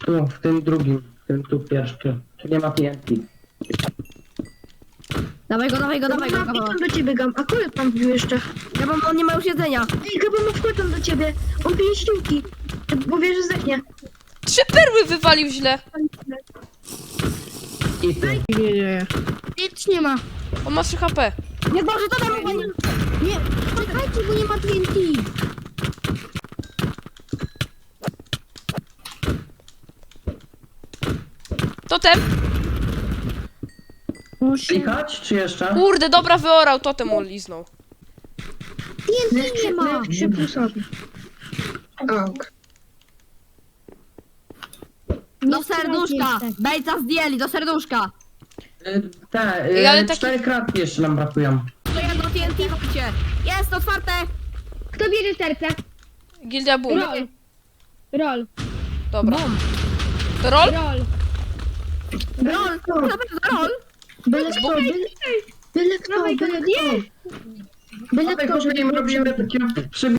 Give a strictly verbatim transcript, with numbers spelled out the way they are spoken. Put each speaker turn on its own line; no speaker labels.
Tu, w tym drugim, w tym tu pierwszy. Tu nie ma T N T.
Dawaj go, dawaj go, dawaj go,
Mam,
Gaba.
tam do ciebie gam. A kurde tam wbił jeszcze.
Gaba, on nie ma już jedzenia.
Ej, Gaba, no wchodzą do ciebie. On pije ściółki. Bo wie, że zdechnie.
Trzy perły wywalił źle.
I ty.
Nie, nie. Nic nie ma.
On ma trzy H P.
Nie Boże, to tam chyba nie...
Nie, czekajcie, bo nie ma T N T.
Totem.
Klikać, czy jeszcze?
Kurde, dobra, wyorał, totem on liznął.
T N T nie ma. trzy plusowy. Ok.
Do serduszka. Bejca zdjęli, do serduszka.
Y, Te,
Ej, ale
y,
taki-
cztery kratki jeszcze nam brakują.
To ja do T N T chodźcie. Jest, otwarte.
Kto bierze serce?
Gildia Bull.
Roll. Roll.
Dobra. To roll?
Roll.
Rol, na pewno rol.
Byle kto, byle, byle kto, byle kto. Byle
Dawaj,
kto,
chodźmy,
żeby
robimy takiego